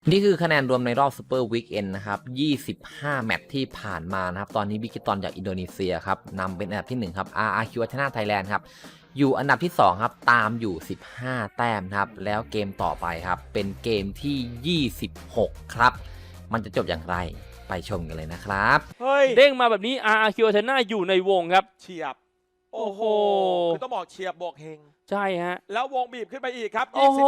นี่คือคะแนนรวมในรอบซูเปอร์วีคเอนนะครับ25แมตช์ที่ผ่านมานะครับตอนนี้บิกิตอนจากอินโดนีเซียครับนำเป็นอันดับที่1ครับ RRQ ชนะไทยแลนด์ครับอยู่อันดับที่2ครับตามอยู่15แต้มครับแล้วเกมต่อไปครับเป็นเกมที่26ครับมันจะจบอย่างไรไปชมกันเลยนะครับเฮ้ยเด้งมาแบบนี้ RRQ ชนะอยู่ในวงครับเฉียบโอ้โหคือต้องบอกเฉียบบวกเฮงใช่ฮะแล้ววงบีบขึ้นไปอีกครับ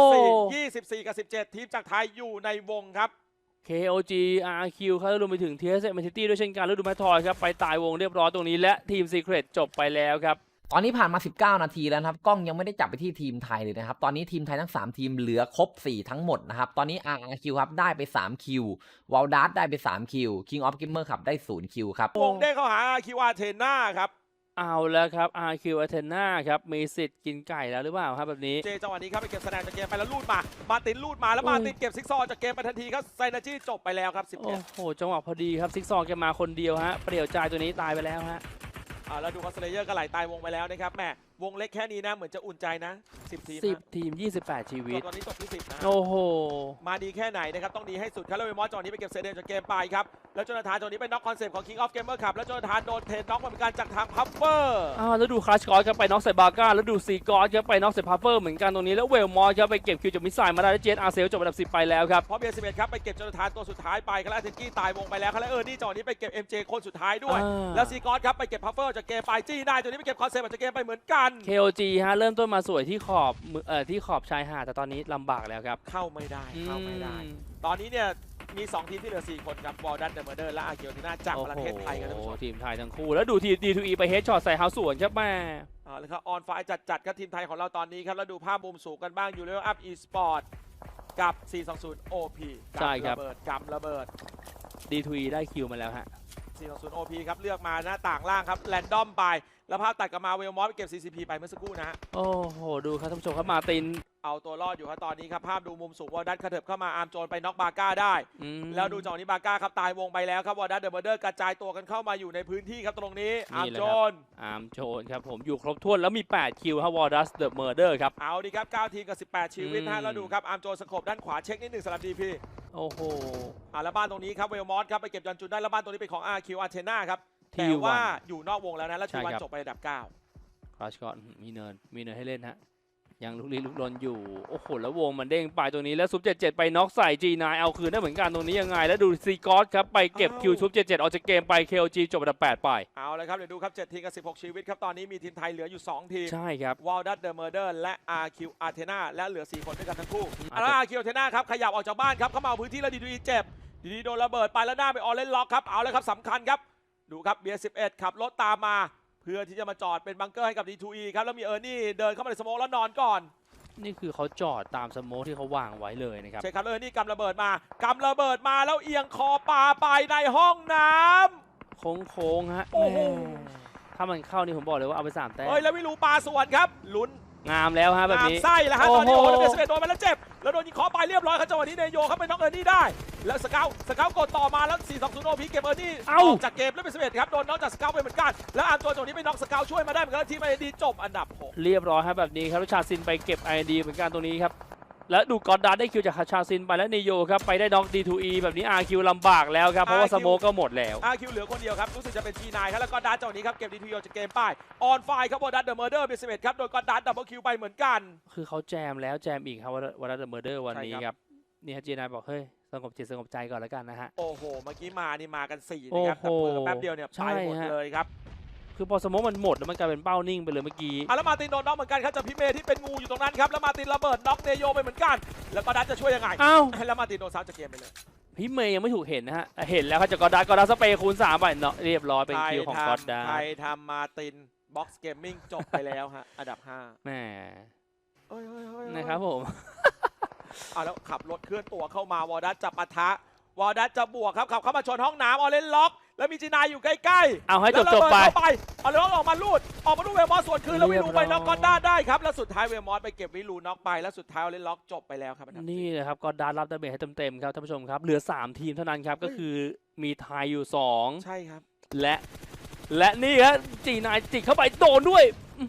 24กับ17ทีมจากไทยอยู่ในวงครับ KOG RRQ ครับรวมไปถึง TSM City ด้วยเช่นกันแล้วดูแมททอยครับไปตายวงเรียบร้อยตรงนี้และทีม Secret จบไปแล้วครับตอนนี้ผ่านมา19นาทีแล้วครับกล้องยังไม่ได้จับไปที่ทีมไทยเลยนะครับตอนนี้ทีมไทยทั้ง3ทีมเหลือครบ4ทั้งหมดนะครับตอนนี้ RRQ ครับได้ไป3คิววอลดัสได้ไป3คิว King of Gamer ครับได้0คิวครับวงเด้งเข้าหา RRQ อาเทน่าครับเอาแล้วครับ RRQ Athena ครับมีสิทธิ์กินไก่แล้วหรือเปล่าครับแบบนี้เจจังหวะนี้ครับไปเก็บสแนนจากเกมไปแล้วลูดมาตินลูดมาแล้วมาตินเก็บซิกซอจากเกมไปทันทีครับไซนาจี้จบไปแล้วครับ11 โอ้โหจังหวะพอดีครับซิกซอแกมาคนเดียวฮะเปรี่ยวใจตัวนี้ตายไปแล้วฮะแล้วดูคอสเลเยอร์ก็ไหลตายวงไปแล้วนะครับแหมวงเล็กแค่นี้นะเหมือนจะอุ่นใจนะ10ทีม 10ทีม28ชีวิตตอนนี้จบที่10นะโอ้โหมาดีแค่ไหนนะครับต้องดีให้สุดครับแล้วเวมอสจอนี้ไปเก็บเซเดนจากเกมไปครับแล้วโจนาธานจอนี้ไปน็อกคอนเซปต์ของ King of Gamer ครับแล้วโจนาธานโดนเทรนน็อกเหมือนกันจากทางพัฟเฟอร์แล้วดูคลัชกอสครับไปน็อกใส่บาก้าแล้วดูซีกอสครับไปน็อกใส่พัฟเฟอร์เหมือนกันตรงนี้แล้วเวลมอสครับไปเก็บคิวจากมิสไซล์มาได้แล้วเจนอาร์เซลจบอันดับ10ไปแล้วครับเพราะเบียร์11ครับไปเก็บโจนาธานตัวสุดท้ายไปครับแล้วเทนกี้ตายวงไปแล้วครับแล้วนี่จอนี้ไปเก็บ MJ คนสุดท้ายด้วยแล้วซีกอสครับไปเก็บพัฟเฟอร์จากเกมไปจี้ได้ตัวนี้ไปเก็บคอนเซปต์จากเกมไปเหมือนกัน KOG ฮะเริ่มต้นมาสวยที่ขอบชายหาดแต่ตอนนี้ลำบากแล้วครับเข้าไม่ได้ตอนนี้เนี่ยมี2ทีมที่เหลือ4คนครับวอลดันเดอะเมอร์เดอร์และอาเกียวทีน่าจากประเทศไทยกันทั้ง2 ทีมไทยทั้งคู่แล้วดูที D2E ไปเฮดช็อตใส่เฮาสวนครับแม่แล้วครับออนไฟจัดครับทีมไทยของเราตอนนี้ครับแล้วดูภาพมุมสูงกันบ้างอยู่เลเวลอัพอีสปอร์ตกับ 420 OP ใช่ครับกำระเบิด D2E ได้คิวมาแล้วฮะ 420 OP ครับเลือกมาหน้าต่างล่างครับแรนดอมไปแล้วภาพตัดกลับมาเวลมอสไปเก็บ CCP ไปเมื่อสักครู่นะโอ้โหดูครับท่านผู้ชมครับมาตินเอาตัวรอดอยู่ครับตอนนี้ครับภาพดูมุมสูงวอลดัตกระเถิบเข้ามาอาร์มโจนไปน็อกบาก้าได้แล้วดูจังหวะนี้บาก้าครับตายวงไปแล้วครับวอลดัตเดอะเมอร์เดอร์กระจายตัวกันเข้ามาอยู่ในพื้นที่ครับตรงนี้อาร์มโจนครับผมอยู่ครบถ้วนแล้วมี8คิวครับวอลดัตเดอะเมอร์เดอร์ครับเอาดีครับ9ทีมกับ18ชีวิตฮะแล้วดูครับอาร์มโจนสกบด้านขวาเช็คนิดหนึ่งสำหรับดีพีโอ้โหแล้วบ้านตรงนี้ครับเวลมอสครับไปเก็บยันจุนได้แล้วบ้านตรงนี้เป็นของ RQ Athena ครับแต่ว่าอยู่นอกวงแล้วนะแล้วทีวันจบไปอันดับ9 คลาชก่อนมีเนินให้เล่นฮะยังลุกลี้ลุกลนอยู่โอ้โหแล้ววงมันเด้งไปตรงนี้แล้วซุป77ไปน็อกใส่ G9 เอาคืนได้เหมือนกันตรงนี้ยังไงแล้วดูซีกอสครับไปเก็บคิวซุป77ออกจากเกมไป KOG จบอันดับ8ไปเอาเลยครับเดี๋ยวดูครับ7ทีมกับ16ชีวิตครับตอนนี้มีทีมไทยเหลืออยู่2ทีมใช่ครับวอลดัตเดอะเมอร์เดอร์และ RQ Athena และเหลือ4คนด้วยกันทั้งคู่แล้ว RQ Athena ครับขยับออกจากบ้านครับเข้ามาเอาพื้นที่แล้วดีเจ็บดีโดนระเบิดไปแล้วหน้าไปออเรนล็อกครับเอาเลยครับสำคัญครับดูครับเบียร์11ขับรถตามมาเพื่อที่จะมาจอดเป็นบังเกอร์ให้กับ D2E ครับแล้วมีนี่เดินเข้ามาในสโมกแล้วนอนก่อนนี่คือเขาจอดตามสโมกที่เขาวางไว้เลยนะครับใช่ครับนี่กำระเบิดมาแล้วเอียงคอปลาไปในห้องน้ำโค้งฮะถ้ามันเข้านี่ผมบอกเลยว่าเอาไป3แต้มแล้ววิลูปลาสวนครับลุ้นงามแล้วฮะแบบนี้ไส้แล้วฮะตอนนี้โอ้โหเบสเบสโดนไปแล้วเจ็บแล้วโดนยิงคอไปเรียบร้อยครับจังหวะนี้เนโยครับไปน็อกนี่ได้แล้วสเกลกดต่อมาแล้ว420 OP เก็บนี่ออกจากเกมแล้วเบสเบสครับโดนน็อกจากสเกลไปเหมือนกันแล้วอาร์มตัวจังหวะนี้ไปน็อกสเกลช่วยมาได้เหมือนกันทีมไอดีจบอันดับ6 เรียบร้อยครับแบบนี้ครับชาซินไปเก็บไอดีเหมือนกันตรงนี้ครับแล้วดูกอดดาได้คิวจากชาซินไปแล้วเนโยครับไปได้น็อก D2E แบบนี้ RQ ลำบากแล้วครับเพราะว่าสโมกก็หมดแล้ว RQ เหลือคนเดียวครับรู้สึกจะเป็น G9 ครับแล้วก็ดาร์จังหวะนี้ครับเก็บ D2E จากเกมป้ายออนไฟครับวอลดัตเดอะเมอร์เดอร์เบสเบสครับโดนกอดดาดับเบิลคิวไปเหมือนกันคือเขาแจมแล้วแจมอีกครับวอลดัตเดอะเมอร์เดอร์วันนี้ครับนี่ฮะ G9 บอกเฮ้ยสงบจิตสงบใจก่อนแล้วกันนะฮะโอ้โหเมื่อกี้มากัน4นะครับแต่เพิ่มแป๊บเดียวเนี่ยไปหมดเลยครับคือพอสมองมันหมดแล้วมันกลายเป็นเป้านิ่งไปเลยเมื่อกี้แล้วมาตินโดนน็อกเหมือนกันครับจากพี่เมย์ที่เป็นงูอยู่ตรงนั้นครับแล้วมาตินระเบิดน็อกเนโยไปเหมือนกันแล้วก็ดัตจะช่วยยังไงแล้วมาตินโดนซ้ำจากเกมไปเลยพี่เมย์ยังไม่ถูกเห็นนะฮะเห็นแล้วครับจากกอดาสเปย์คูณ3ไปเนาะเรียบร้อยเป็นคิวของกอดาไทยทำมาตินบ็อกซ์เกมมิ่งจบไปแล้วฮะอันดับ5 แหมนะครับผมแล้วขับรถเคลื่อนตัวเข้ามาวอร์ดัสจะปะทะวอลดัตจะบวกครับขับเข้ามาชนห้องน้ำออเรนล็อกแล้วมีจีนายอยู่ใกล้ๆเอาให้จบไปเอาเลยออกมาลูดเวลมอสส่วนคืนแล้ววิลูไปน็อกก็ได้ครับแล้วสุดท้ายเวลมอสไปเก็บวิลูน็อกไปแล้วสุดท้ายออเรนล็อกจบไปแล้วครับนี่นะครับก็ดารับดาเมจให้เต็มๆครับท่านผู้ชมครับเหลือ3ทีมเท่านั้นครับก็คือมีไทยอยู่2 ใช่ครับและนี่ครับจีนายจิกเข้าไปโดนด้วย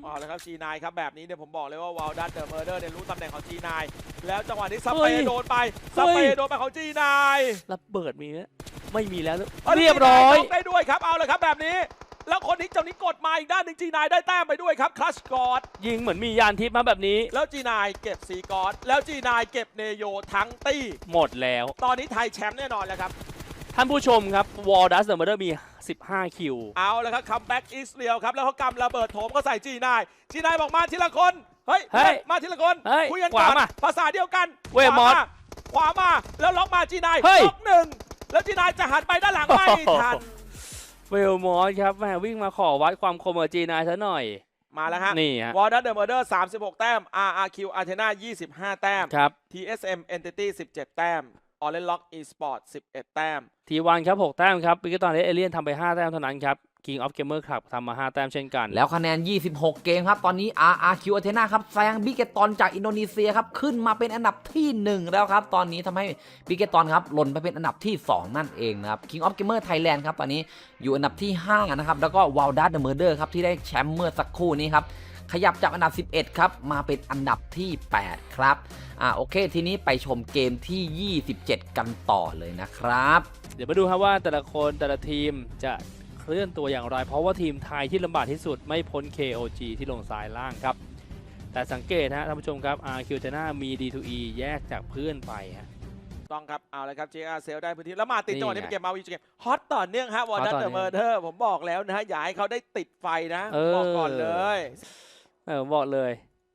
เอาละครับ G9 ครับแบบนี้เนี่ยผมบอกเลยว่าวอลดัตเดอะเมอร์เดอร์เนี่ยรู้ตำแหน่งของ G9 แล้วจังหวะนี้สเปรย์โดนไปสเปรย์โดนไปของ G9 ระเบิดมีไหมไม่มีแล้วอาเรียบร้อย G9 ได้ด้วยครับเอาเลยครับแบบนี้ แล้วคนนี้เจ้านี้กดมาอีกด้านหนึ่ง G9 ได้แต้มไปด้วยครับคลัชกอดยิงเหมือนมียานทิพย์มาแบบนี้แล้ว G9 เก็บซีกอดแล้ว G9 เก็บเนโยทั้งตี้หมดแล้วตอนนี้ไทยแชมป์แน่นอนแล้วครับท่านผู้ชมครับวอลดัสเดอะเมอร์เดอร์มี 15 คิวเอาแล้วครับคัมแบ็กอิสเรียลครับแล้วเขากำระเบิดโถมก็ใส่ G9 G9 บอกมาทีละคนเฮ้ยเฮ้ยมาทีละคนเฮ้ยคุยกันขก่วาอนมาภาษาเดียวกันเวมอสขวามาแล้วล็อกมา G9 เฮ้ยล็อกหนึ่งแล้ว G9 จะหันไปด้านหลังไม่ทันเวลมอสครับแม่วิ่งมาขอวัดความคมกับ G9 ซะหน่อยมาแล้วฮะนี่ฮะวอร์ดัตเดอะเมอร์เดอร์36 แต้ม RRQ Athena 25 แต้มครับ TSM Entity 17 แต้ม Orange Lock Esport 11 แต้ม T1 ครับ 6 แต้มครับปิกตอนนี้เอเลียนทำไป 5 แต้มเท่านั้นครับ King of Gamer Club ทำมา 5 แต้มเช่นกันแล้วคะแนน 26 เกมครับ ตอนนี้ RRQ Athena ครับแซงบิเกตอนจากอินโดนีเซียครับ ขึ้นมาเป็นอันดับที่ 1 แล้วครับ ตอนนี้ทำให้บิเกตอนครับหล่นไปเป็นอันดับที่ 2 นั่นเองนะครับ King of Gamer Thailand ครับ ตอนนี้อยู่อันดับที่ 5 นะครับ แล้วก็ Waldas the Murder ครับ ที่ได้แชมป์เมื่อสักครู่นี้ครับ ขยับจากอันดับ 11 ครับ มาเป็นอันดับที่ 8 ครับ โอเค ทีนี้ไปชมเกมที่ 27 กันต่อเลยนะครับเดี๋ยวมาดูครับว่าแต่ละคนแต่ละทีมจะเคลื่อนตัวอย่างไร เพราะว่าทีมไทยที่ลำบากที่สุดไม่พ้น KOG ที่ลงซ้ายล่างครับ แต่สังเกตฮะท่านผู้ชมครับ RQ Athena มี D2E แยกจากเพื่อนไปฮะต้องครับ เอาเลยครับ JR เซลได้พื้นที่แล้วมาติดนี่จังหวะนี้ไงเป็นเกมมาวีเกมฮอตต่อเนื่องฮะวอร์ดัตฮอตต่เดออะเนื่เมอองร์เดอร์ผมบอกแล้วนะฮะอย่าให้เขาได้ติดไฟนะบอกก่อนเลยบอกเลย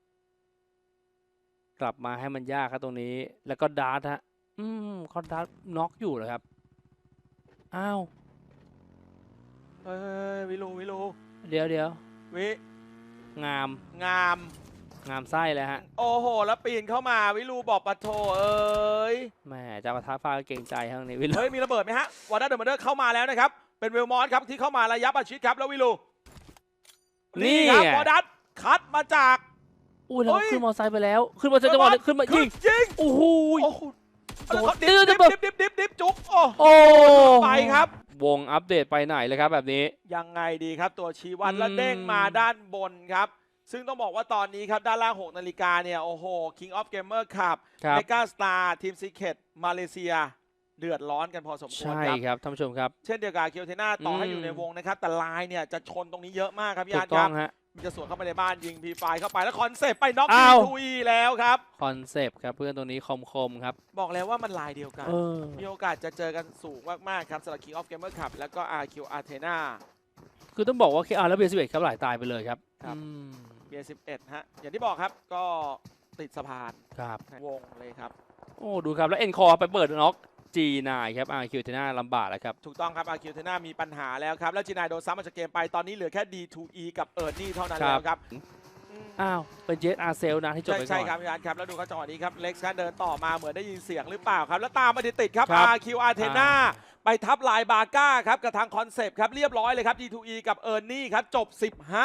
กลับมาให้มันยากครับตรงนี้ แล้วก็ดาร์ทฮะเขาดาร์ทน็อกอยู่เหรอครับ อ้าวเฮ้ยวิลูเดี๋ยววิงามงามงามไส้เลยฮะโอ้โห แล้วปีนเข้ามาวิลูบอกปะโถเอ้ยแหมจะประทับฟ้าก็เก่งใจทั้งนี้วิลเฮ้ย มีระเบิดไหมฮะวอร์ดัตเดอะเมอร์เดอร์เข้ามาแล้วนะครับ เป็นเวลมอสครับที่เข้ามาระยะประชิดครับแล้ววิลูนี่ครับไงวอร์ดัตคัดมาจากอุ้ยแล้วเฮ้ยขึ้นมอไซค์ไปแล้ว ขึ้นมอไซค์จังหวะนี้ขึ้นมายิงยิงโอ้โหโอ้โหโดนดิบจุ๊บโอ้โอ้ไปครับวงอัปเดตไปไหนเลยครับแบบนี้ยังไงดีครับตัวชี้วัดแล้วอืมเด้งมาด้านบนครับ ซึ่งต้องบอกว่าตอนนี้ครับ ด้านล่าง 6 นาฬิกาเนี่ย โอ้โห King of Gamer ครับครับเมกาสตาร์ทีมซีเคทมาเลเซีย เดือดร้อนกันพอสมควรใช่ครับครับท่านผู้ชมครับเช่นเดียวกับเคียวเทน่าต่อให้อืมอยู่ในวงนะครับ แต่ลายเนี่ยจะชนตรงนี้เยอะมากครับพี่ถูอาก ร์ตต้คอรังบฮะมันจะสวนเข้าไปในบ้านยิงพีไฟเข้าไปแล้วคอนเซปต์ไปน็อกอ้าวทีแล้วครับคอนเซปต์ครับเพื่อนตัวนี้คมครับบอกแล้วว่ามันลายเดียวกันเออมีโอกาสจะเจอกันสูงมากๆครับสำหรับ King of Gamer ครับแล้วก็ RQ Athena คือต้องบอกว่า KR และเบียร์11ครับหลายตายไปเลยครับครับอืมเบียร์11ฮะอย่างที่บอกครับก็ติดสะพานครับวงเลยครับโอ้ดูครับแล้วเอ็นคอร์ไปเปิดน็อก G9 ครับ RQ Athena ลำบากแล้วครับถูกต้องครับ RQ Athena มีปัญหาแล้วครับ แล้วจีนายโดนซ้ำมาจากเกมไปตอนนี้เหลือแค่ D2E กับเอิร์นี่เท่านั้นครับแล้วครับอ้าวเป็นเจสอาร์เซลนะที่จบใช่ไปก่ใช่อนครับพี่อาร์ตครับ แล้วดูครับจังหวะนี้ครับ เล็กซ์ครับเดินต่อมาเหมือนได้ยินเสียงหรือเปล่าครับ แล้วตามมาติดๆครับครับ RQ Athena ไปทับลายบาก้าครับกับทางคอนเซปต์ครับเรียบร้อยเลยครับ D2E กับเอิร์นี่ครับจบ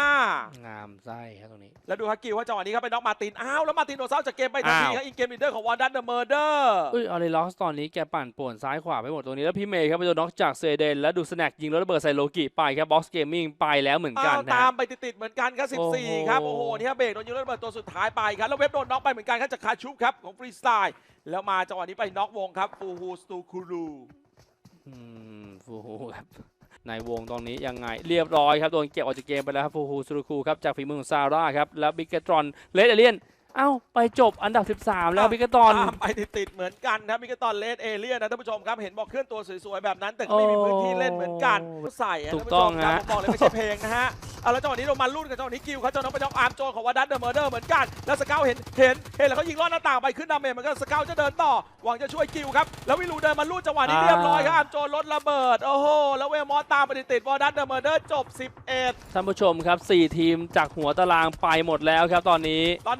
15 งามไส้ครับตรงนี้แล้วดูครับกิวว่าจังหวะนี้ครับไปน็อกมาร์ตินอ้าวแล้วมาร์ตินโดนเซาจากเกมไปทันทีครับอินเกมลีดเดอร์ของวอร์ดัตเดอะเมอร์เดอร์เอ้ยออเรล็อกตอนนี้แกปั่นป่วนซ้ายขวาไปหมดตรงนี้แล้วพี่เมย์ครับไปโดนน็อกจากเซเดนแล้วดูสแน็คยิงแล้วระเบิดใส่โลกิไปครับบ็อกซ์เกมมิ่งไปแล้วเหมือนกันนะตามไปติดๆเหมือนกันครับโอ้โห 14 ครับ โอ้โห นี่ครับเบรกโดนยิงแล้วระเบิดตัวสุดท้ายไปครับ แล้วเว็บโดนน็อกไปเหมือนกันครับจากคาชุบครับของฟรีสไตล์แล้วมาจังหวะนี้ไปน็อกวงครับฟูฮูสตูคูรูฟูฮูครับในวงตรงนี้ยังไงเรียบร้อยครับโดนเก็บออกจากเกมไปแล้วครับฟูฮูซูรุคูครับจากฝีมือของซาร่าครับแล้วบิกเกตรอนเลดเอเลียนเอ้าไปจบอันดับ 13 แล้วบิกเกตรอนตามไปติดๆเหมือนกันครับมิกตอนเลดเอเลียนนะท่านผู้ชมครับเห็นบอกเคลื่อนตัวสวยๆแบบนั้นแต่ก็ไม่มีพื้นที่เล่นเหมือนกันใส่อะถูท่านกผู้ต้ชองมครับฮะผมบอกเลยไม่ใช่เพลงนะฮะเอาแล้วจังหวะนี้ลงมาลุ้นกับจังหวะนี้กิวครับจังหวะนี้ไปน็อกอาร์มโจนของวอร์ดัตเดอะเมอร์เดอร์เหมือนกันแล้วสเกลเห็นแล้วเขายิงลอดหน้าต่างไปขึ้นดาเมจเหมือนกันสเกลจะเดินต่อหวังจะช่วยกิวครับแล้ววิลูเดินมาลุ้นจังหวะนี้เรียบร้อยครับอาร์มโจนลดระเบิดโอ้โหแล้วเวลมอสตามไปติดๆวอร์ดัตเดอะเมอร์เดอร์จบ 11 ท่านผู้ชมครับ4ทีมจากหัวตารางไปหมดแล้วครับตอนนี้ตอนนี้ต้องมาลุ้น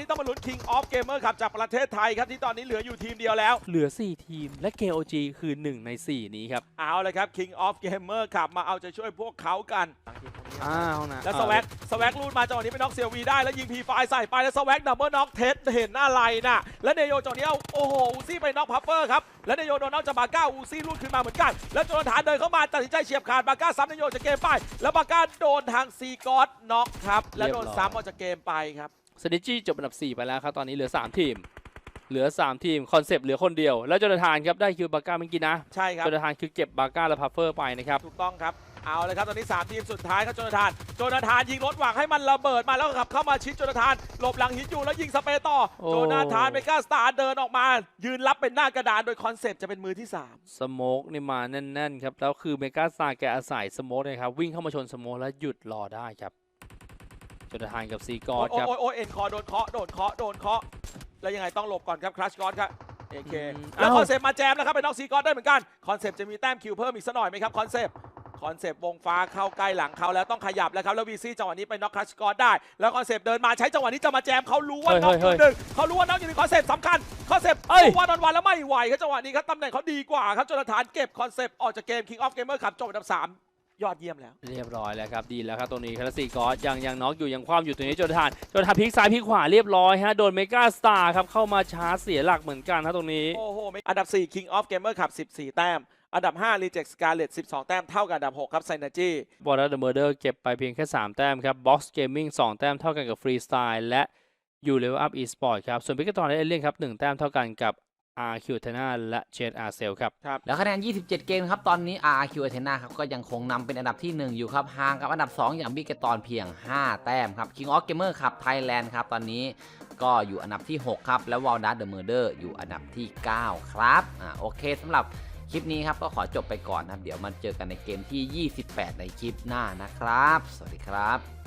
King of Gamer ครับจากประเทศไทยครับที่ตอนนี้เหลืออยู่ทีมเดียวแล้วเหลือ 4 ทีมและ KOG คือ 1 ใน 4 นี้ครับเอาเลยครับ King of Gamer ครับมาเอาใจช่วยพวกเขากันอ้าวนะแล้วสแว็กรูดมาจังหวะนี้เป็นน็อกเซียวีได้แล้วยิงพีไฟใส่ไปแล้วสแว็กดับเบิลน็อกเทสเห็นอะไรน่ะแล้วเนโยจังหวะนี้เอาโอ้โหอูซี่ไปน็อกพัฟเฟอร์ครับแล้วเนโยโดนน็อกจากบาก้าอูซี่รูดขึ้นมาเหมือนกันแล้วโจนาธานเดินเข้ามาตัดสินใจเฉียบขาดบาก้าซ้ำเนโยจากเกมไปแล้วบาก้าโดนทางซีกอสน็อกครับแล้วโดนซ้ำออกจากเกมไปครับสนิจี้จบอันดับ 4 ไปแล้วครับตอนนี้เหลือ 3 ทีม เหลือ 3 ทีมคอนเซปต์เหลือคนเดียวแล้วโจนาธานครับได้คิวบาก้าเมื่อกี้นะใช่ครับโจนาธานคือเก็บบาก้าและพัฟเฟอร์ไปนะครับถูกต้องครับเอาเลยครับตอนนี้3ทีมสุดท้ายครับโจนาธานยิงรถหวังให้มันระเบิดมาแล้วก็ขับเข้ามาชิดโจนาธานหลบหลังหินอยู่แล้วยิงสเปรย์ต่อโอ้โจนาธานเมกาสตาร์เดินออกมายืนรับเป็นหน้ากระดานโดยคอนเซปต์จะเป็นมือที่ 3 สโมกนี่มาแน่นๆครับแล้วคือเมกาซาแกอาศัยสโมกนะครับวิ่งเข้ามาชนสโมกแล้วหยุดรอได้ครับโจนาธานกับซีกอร์ครับโอ้ยเอ็นคอโดนเคาะแล้วยังไงต้องหลบก่อนครับคลัชกอร์ครับเอเคอืมแล้วเอ้าคอนเซปต์มาแจมแล้วครับเป็นน็อกซีกอร์ได้เหมือนกันคอนเซปต์จะมีแต้มคิวเพิ่มอีกสักหน่อยไหมครับคอนเซปต์วงฟ้าเข้าใกล้หลังเขาแล้วต้องขยับแล้วครับแล้ววีซี่จังหวะนี้ไปน็อกคลัชกอร์ได้แล้วคอนเซปต์เดินมาใช้จังหวะนี้จะมาแจมเขารู้ว่าน็อกอยู่หนึ่งเขารู้ว่าน็อกอยู่หนึ่งคอนเซปต์สำคัญคอนเซปต์วันออนวันแล้วไม่ไหวครับจังหวะนี้ครับตำแหน่งเขาดีกว่าครับโจนาธานเก็บคอนเซปต์ออกจากเกม King of Gamer ครับจบอันดับ 3 ยอดเยี่ยมแล้วเรียบร้อยแล้วครับดีแล้วครับตรงนี้คาราซีกอสยังน็อกอยู่ยังคว่ำอยู่ตรงนี้โจนาธานพลิกซ้ายพลิกขวาเรียบร้อยฮะโดนเมกาสตาร์ครับเข้ามาชาร์จเสียหลักเหมือนกันนะตรงนี้โอ้โหอันดับ 4 King of Gamer ครับ14 แต้ม อันดับ 5 Reject Scarlet 12 แต้ม เท่ากับอันดับ 6 ครับ Synergy บอลเดอร์เมอร์เดอร์เก็บไปเพียงแค่ 3 แต้มครับ Box Gaming 2 แต้มเท่ากันกับ Freestyle และ You Level Up Esport ครับ ส่วนพิกตอนและเอเลียนครับ 1 แต้มเท่ากันกับ RQ Tena และ Jet Arcel ครับแล้วคะแนน 27 เกมครับ ตอนนี้ RRQ Athena ครับ ก็ยังคงนำเป็นอันดับที่ 1 อยู่ครับ ห่างกับอันดับ 2 อย่างบิกเกตอนเพียง 5 แต้มครับ King of Gamer ครับ Thailand ครับ ตอนนี้ก็อยู่อันดับที่ 6 ครับ แล้ว Walnut the Murder อยู่อันดับที่ 9 ครับโอเคสำหรับคลิปนี้ครับ ก็ขอจบไปก่อนนะครับ เดี๋ยวมาเจอกันในเกมที่ 28 ในคลิปหน้านะครับ สวัสดีครับ